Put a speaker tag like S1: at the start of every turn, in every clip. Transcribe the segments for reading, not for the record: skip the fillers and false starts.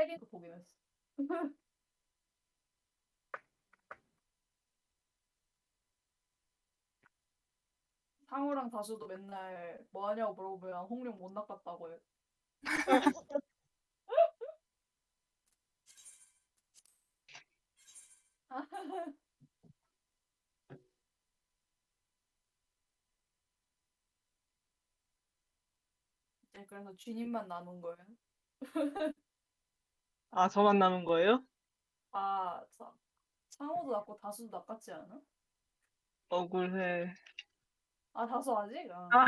S1: 3개도 보긴 했어. 상우랑 다수도 맨날 뭐 하냐고 물어보면 홍룡 못 낚았다고 해. 이제 그래서 쥐님만 남은 거예요.
S2: 아, 저만 남은 거예요?
S1: 아, 상우도 낚고 다수도 낚았지 않아?
S2: 억울해.
S1: 아, 다수 아직?
S2: 아,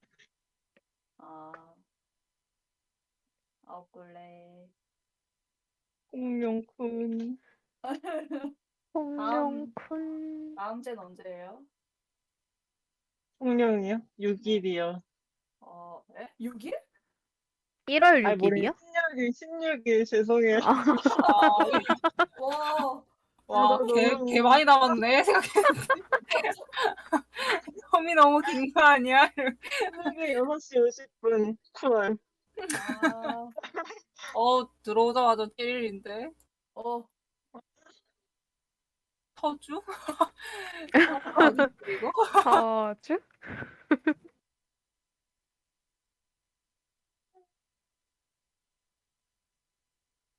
S1: 아, 억울해.
S2: 공룡쿤.
S1: 다음,
S3: 홍룡쿤.
S1: 다음 젠 언제예요?
S2: 공룡이요?
S1: 네.
S2: 6일이요.
S1: 6일?
S3: 1월
S2: 아니, 모르겠
S3: 6일이요?
S2: 16일, 죄송해요.
S3: 아,
S4: 아,
S1: 와,
S2: 아, 나
S4: 와, 개
S2: 너무,
S4: 많이 남았네, 생각했는데. 텀이 너무 긴 거 아니야?
S2: 새벽에 6시 50분, 쿨.
S1: 아,
S4: 들어오자마자 1일인데.
S1: 어,
S4: 터주? 터주 아니지, 이거?
S3: 터주?